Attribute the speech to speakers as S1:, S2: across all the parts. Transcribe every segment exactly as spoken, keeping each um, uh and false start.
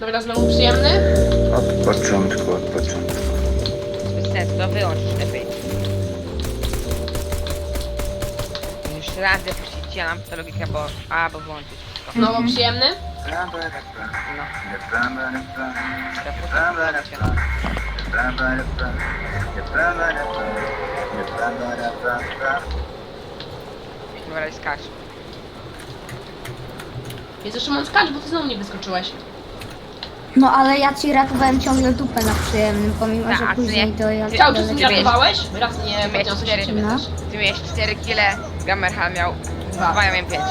S1: Dobra, znowu przyjemny?
S2: Od początku, od początku.
S3: Bez sensu, to wyłącz lepiej. Już raz zapuścić ja nam to logika, bo... A, bo włączyć wszystko.
S1: Znowu przyjemny?
S3: No. Dobra, skacz.
S1: Jest jeszcze mam skacz, bo ty znowu nie wyskoczyłeś.
S4: No ale ja ci ratowałem ciągle dupę na przyjemnym, pomimo
S3: Tak,
S4: że
S3: a ty
S4: później
S3: nie-
S4: to ja...
S3: ty-
S1: Ciao,
S4: ja
S1: czy ty
S3: Ty
S1: nie
S3: wiesz-
S1: ratowałeś? Raz nie
S3: Ty miałeś
S1: podniosłeś
S3: cztery-
S1: się ciebie
S4: no.
S1: też.
S3: Ty miałeś cztery kile, Gamerhal miał dwa, ja miałem pięć.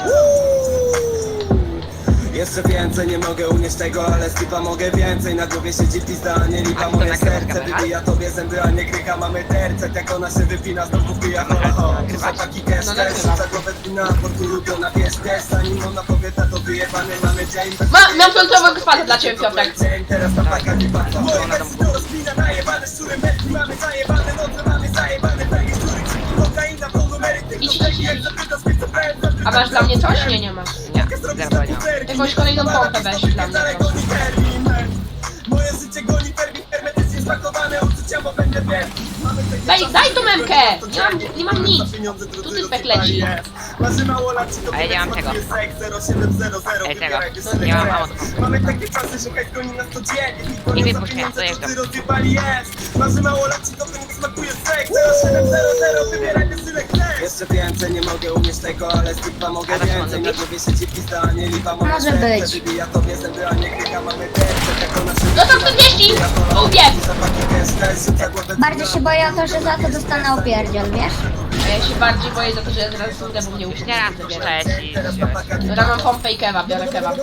S5: Jeszcze więcej, nie mogę unieść tego, ale skipa mogę więcej. Na głowie siedzi pizda, a nie lipa.
S3: A to
S5: Moje
S3: nagrywasz
S5: serce
S3: kamerę?
S5: wybija tobie zęby, a nie krycha. Mamy tercet, jak ona się wypina, znowu wbija hola ho. Chłopaki cash,
S1: No
S5: cash,
S1: nagrywa.
S5: rzuca głowę wina, portu lubiona, wiesz też. Zanim ona powie, to wyjebany mamy dzień.
S1: Ma, mam piątowego spada dla ciebie, Piotrek.
S5: Dzień, teraz ta paka nie patrz. Moje wersy to rozpina, najebane szczurem metki. Mamy zajebane noce, mamy zajebane pegi, szczury, ciki, kokaina, po numery.
S1: Idź, idź, idź. A masz dla mnie coś? Nie, nie masz.
S3: Nie, zero nie mam.
S1: Jakąś kolejną pompę weź dla mnie, proszę.
S5: Moje życie goni termin hermetycznie spakowane uczucia, bo będę wielki.
S1: Daj, daj tą memkę! Nie mam, nie mam nic. Tu typek leci.
S3: A ja nie mam tego. Ej, tego. Nie mam ammo do pompy.
S5: Mamy takie czasy, że hejt goni nas codziennie.
S3: Nie wypuść mnie, dojeżdżam.
S5: Rozjebali jest. Marzy mało lat, ci to nie smakuje seks. zero siedem zero zero, wybieraj wysyłek chcesz. Jeszcze więcej, nie mogę umieć tego, ale skipa mogę
S3: A to co,
S5: więcej.
S3: może
S5: Na głowie siedzi pizda, a nie lipa. Moje
S4: Może
S5: serce
S4: być.
S5: wybija tobie zęby, a nie krycha. Mamy tercet, jak ona się
S1: No to czterdzieści! Ubieg!
S4: Bardziej się boję o to, że za to dostanę opierdziel, wiesz?
S1: A ja się bardziej boję za to, że ja zaraz umrę, bo mnie
S3: Już
S1: uśmiech
S3: nie raz
S1: zabiera.
S3: puszczałeś i wziąłeś.
S1: Dobra, mam pompę i kebab, biorę kebab.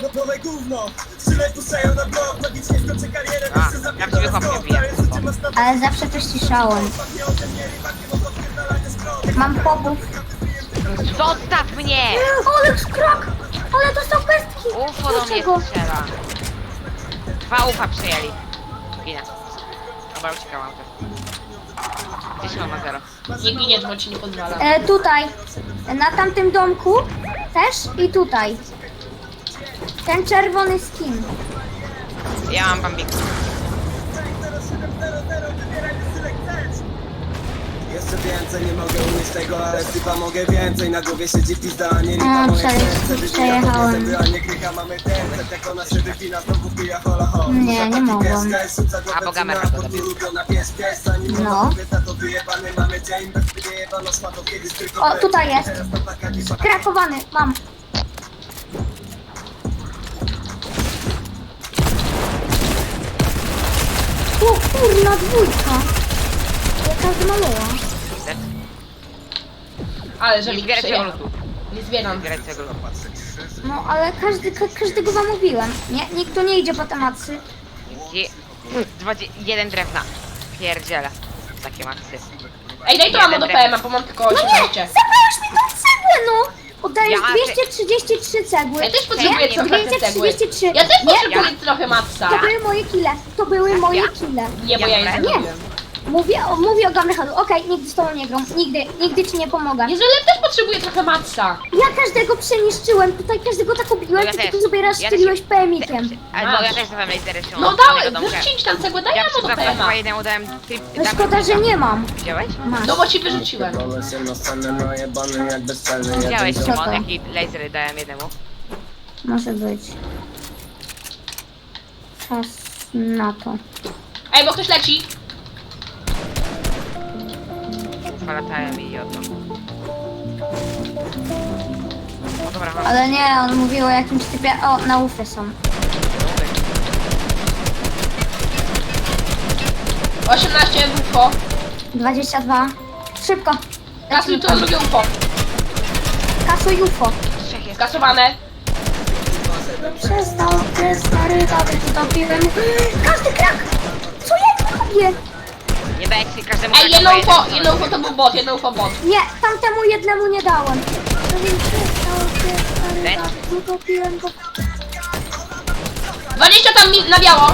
S3: A, prawdziwy chłop nie pije.
S4: Ale zawsze to ściszałem. Mam popów.
S3: Zostaw mnie!
S4: Ale krak! Ale dostał pestki!
S3: Ufo do mnie
S4: Dlaczego?
S3: strzela. Dwa ufa przyjęli. Ginę. Dobra, uciekałam też. Gdzieś on ma zero.
S1: Nie ginie, bo ci nie pozwala.
S4: E, tutaj. Na tamtym domku też i tutaj. Ten czerwony skin.
S3: Ja mam bambik.
S5: Jeszcze więcej, nie mogę umieć tego, ale skipa mogę więcej. Na głowie siedzi pizda, a nie lipa.
S4: A,
S5: Moje
S4: przeje-
S5: serce wybija
S4: przejechałem.
S5: tobie zęby, a nie krycha. Mamy tercet, jak ona się wypina, znowu wbija hola ho.
S4: Nie, nie mogłam.
S3: A, bo gamer to zabił.
S4: No. O, tutaj jest. Krakowany, mam. O kurna dwójka. Jaka zmalała.
S1: Ale że
S3: Nie
S1: mi
S3: zbieraj tego
S1: przejechał.
S3: lutu.
S1: Nie zbieram.
S3: Nie zbieraj tego lutu.
S4: No ale każdy, ka każdego zamówiłem. Nie, nikt tu nie idzie po temacy.
S3: Je- dwadzie- Jeden drewna. Pierdziele. Takie maksy.
S1: Ej, daj to ammo do P M a, bo mam tylko
S4: No nie!
S1: osiemnaście.
S4: Zabrałeś mi tą cegłę, no! Oddajesz
S3: Ja-
S4: dwieście trzydzieści trzy cegły.
S1: Ja też potrzebuję
S4: Nie,
S1: trochę
S4: dwieście
S1: cegły.
S4: trzydzieści trzy.
S1: Ja też
S4: Nie,
S1: potrzebuję trochę matca.
S4: to były moje kile. To były moje kile.
S1: Nie, bo ja je
S3: Nie.
S1: zrobiłem.
S4: Mówię o, mówię o Gamerhalu. Okej, nigdy z tobą nie gram. Nigdy, nigdy ci nie pomogę.
S1: Jeżeli też potrzebuję trochę matca.
S4: Ja każdego przeniszczyłem. Tutaj każdego tak obiłem,
S3: Ja
S4: ty
S3: też.
S4: tu sobie raz
S3: Ja
S4: strzeliłeś
S3: też-
S4: P M ikiem.
S3: Albo ja też dawałem lasery się.
S1: No dałem, wyrzucić tam cegłę, daj
S3: Ja
S1: ammo do P
S3: przepraszam,
S1: M a.
S3: chyba jednemu dałem... Ty,
S4: No szkoda, że nie mam.
S3: Widziałeś?
S4: Masz.
S1: No bo ci wyrzuciłem.
S3: Widziałeś,
S4: Co
S3: Szymon,
S4: to?
S3: jaki lasery dałem jednemu?
S4: Może być. Czas na to.
S1: Ej, bo ktoś leci.
S3: Polatałem i oddam. O dobra, chodź.
S4: Ale nie, on mówił o jakimś typie... O, na ufy są.
S1: osiemnaście U F O.
S4: dwadzieścia dwa. Szybko.
S1: Kasuj to drugie U F O.
S4: Kasuj U F O.
S3: Trzech jest.
S1: Skasowane.
S4: Przestał, ty stary, tady, tu dopiłem. Każdy krak! Co ja robię?
S3: Nie daj ci każdemu
S1: Ej,
S3: tak
S1: jedno
S3: po
S1: U F O,
S3: jednym
S1: jedno U F O to był bot, jedno U F O bot.
S4: Nie, tamtemu jednemu nie dałem. No więc przestał, ty stary,
S3: Ten?
S4: tady, tu dopiłem go.
S1: dwadzieścia tam mi- na biało.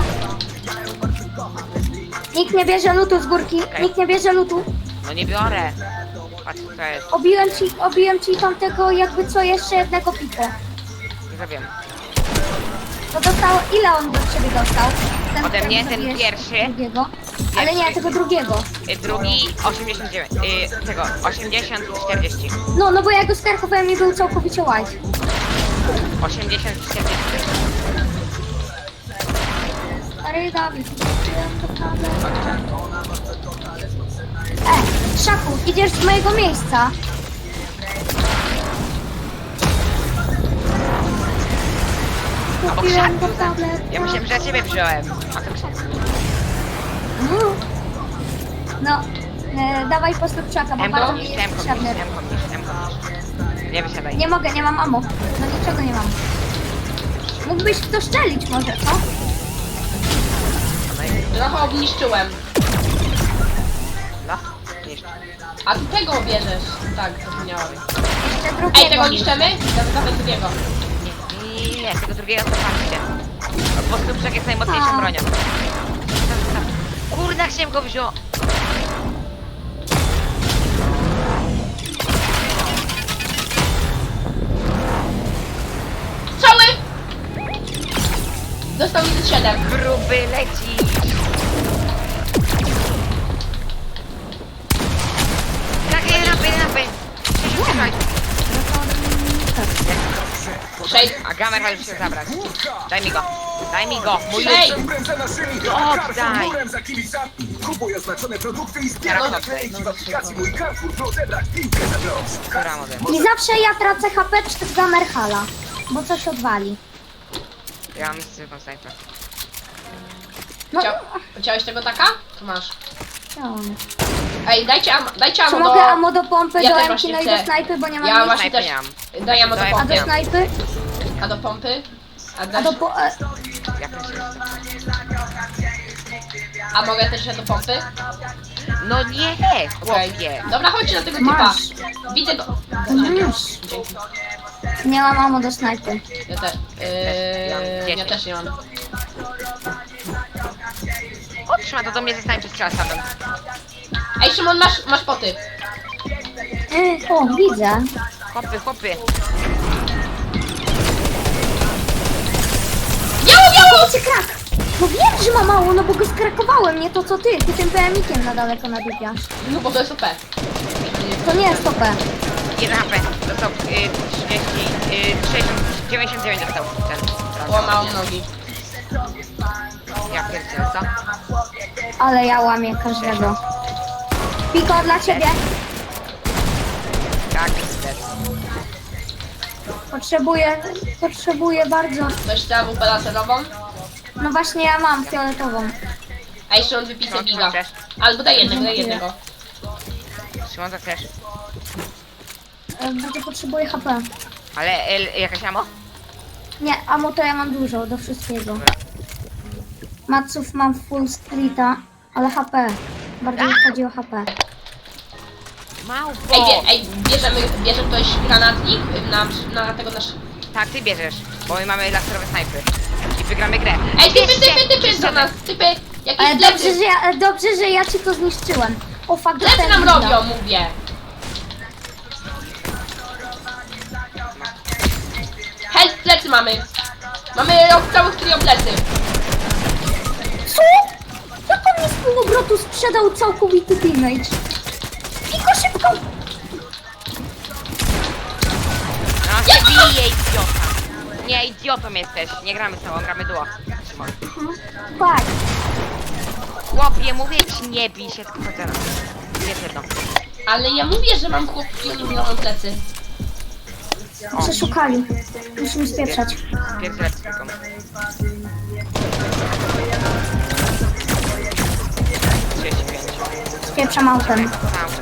S4: Nikt nie bierze lutu z górki,
S3: Okej.
S4: nikt nie bierze lutu.
S3: No nie biorę. Patrz, co jest.
S4: Obiłem ci, obiłem ci tamtego jakby co jeszcze jednego piko.
S3: Nie zabiłem.
S4: To dostał, ile on do ciebie dostał? Ten,
S3: Ode mnie ten
S4: zabiłeś
S3: pierwszy.
S4: Drugiego. Ale nie, tego drugiego.
S3: Y, Drugi osiemdziesiąt dziewięć. Y, tego osiemdziesiąt i czterdzieści.
S4: No, no bo ja go skarkowałem i był całkowicie white.
S3: osiemdziesiąt i czterdzieści.
S4: Stary Dawid, E, Szaku, idziesz z mojego miejsca.
S3: Obok
S4: Kupiłem go
S3: krzaku.
S4: tablet.
S3: Ja myślałem, że ja ciebie wziąłem. A to krzak.
S4: Mm. No, e, dawaj postup czaka, bo
S3: M
S4: bardzo mi
S3: komisz,
S4: jest
S3: M komisz,
S4: potrzebny.
S3: M komisz, M komisz. Nie wysiadaj.
S4: Nie mogę, nie mam ammo. No niczego nie mam. Mógłbyś w to szczelić może, co?
S1: Trochę obniszczyłem.
S3: No, jeszcze.
S1: A ty tego bierzesz. Tak, zapomniałam.
S4: Jeszcze drugiego.
S1: Ej, tego niszczymy? Dawaj drugiego.
S3: Nie, nie, nie, nie, tego drugiego to patrzcie. Bo Stuprzak jest najmocniejszą
S4: A.
S3: bronią. Kurde, chciałem go wziąć.
S1: Cały! Dostał minus siedem.
S3: Gruby leci. Tak, jeden napy, jeden napy.
S1: Sześć.
S3: A gamer ma już się zabrać. Daj mi go. Daj mi go. Mój
S1: Sześć.
S3: Oddaj.
S5: Kupuj oznaczone produkty i
S3: Teraz
S5: zbieraj
S3: oddaj.
S5: naklejki w aplikacji Mój Carrefour, by odebrać piłkę za grosz.
S3: Dobra, mogę.
S4: I zawsze ja tracę H P przez Gamerhala, bo coś odwali.
S3: Ja mam zwykłą snajpę.
S4: No,
S1: Chciał, chciałeś tego taka? To masz.
S4: chciałam.
S1: Ej, dajcie am, dajcie
S4: Czy
S1: ammo
S4: mogę
S1: do...
S4: ammo do pompy,
S1: Ja
S4: do
S1: też
S4: Emki,
S1: właśnie
S4: no i
S1: chcę.
S4: do snajpy, bo nie mam
S1: Ja
S4: nic.
S1: właśnie też...
S3: Snajpy
S1: Daj ammo do
S3: Daj-
S4: A
S1: pompy.
S4: do snajpy?
S1: A do pompy? A,
S4: A
S1: dasz...
S4: do po... E,
S3: Jak to się chce?
S1: A mogę też do pompy?
S3: No nie,
S1: Okej.
S3: chłopie.
S1: Dobra, chodźcie na tego typa.
S4: Masz.
S1: Widzę go.
S4: Masz.
S1: Dzięki.
S4: nie mam ammo do snajpy.
S1: Ja też. Yy, ja
S3: dziesięć.
S1: też nie mam.
S3: Otrzyma to do mnie ze snajpy strzela samym.
S1: Ej, Szymon, masz, masz poty.
S4: E, o, widzę.
S3: Chłopy, chłopy.
S1: Biało, biało!
S4: Cię krak! No wiem, że ma mało, no bo go skrakowałem, nie to co ty. Ty tym P M ikiem na daleko nadupiasz.
S1: No bo to jest O P.
S4: To nie jest O P.
S3: jeden H P. Dostał y, trzydzieści, y, sześćdziesiąt, dziewięćdziesiąt dziewięć dostał ten.
S1: Łamał nogi.
S3: Ja pierdzielę, co?
S4: Ale ja łamię każdego. Piko dla ciebie.
S3: Tak, też.
S4: Potrzebuję, potrzebuję bardzo.
S1: Ktoś chce A W P laserową?
S4: No właśnie ja mam fioletową.
S1: Ej, Szymon, wypisy
S3: Szymon,
S1: giga.
S3: chcesz?
S1: Albo daj jednego, daj jednego.
S3: Szymon, co chcesz?
S4: E, Bardzo potrzebuję H P.
S3: Ale y, jakaś amo?
S4: Nie, amo to ja mam dużo, do wszystkiego. Maców mam full streeta, ale H P. Bardziej mi chodzi o H P.
S3: Małpo!
S1: Ej, bie, ej bierzemy, bierze ktoś granatnik na, na tego nasz...
S3: Tak, ty bierzesz, bo my mamy laserowe snajpy. I wygramy grę.
S1: Ej, typy,
S3: Bierzcie!
S1: typy, typy do nas, typy! Jakieś
S4: Ale dobrze,
S1: plecy!
S4: że ja, e, dobrze, że ja ci to zniszczyłem. O fuck,
S1: Plecy
S4: dostałem
S1: nam
S4: winda.
S1: robią, mówię! Help, plecy mamy! Mamy rok całych trio plecy!
S4: Co? Jak on mi z półobrotu sprzedał całkowity damage? Piko, szybko!
S3: No się bije, idiota. Nie, idiotą jesteś. Nie gramy z tobą, gramy duo. Szymon.
S4: Tak.
S3: Chłopie, mówię ci, nie bij się, tylko chodź za nas. Jest jedno.
S1: Ale ja mówię, że mam chłopki, oni mi robią plecy.
S4: Przeszukali. Musimy spieprzać.
S3: Pierwszy raz tylko. trzydzieści pięć.
S4: Spieprzam autem.
S3: Tam.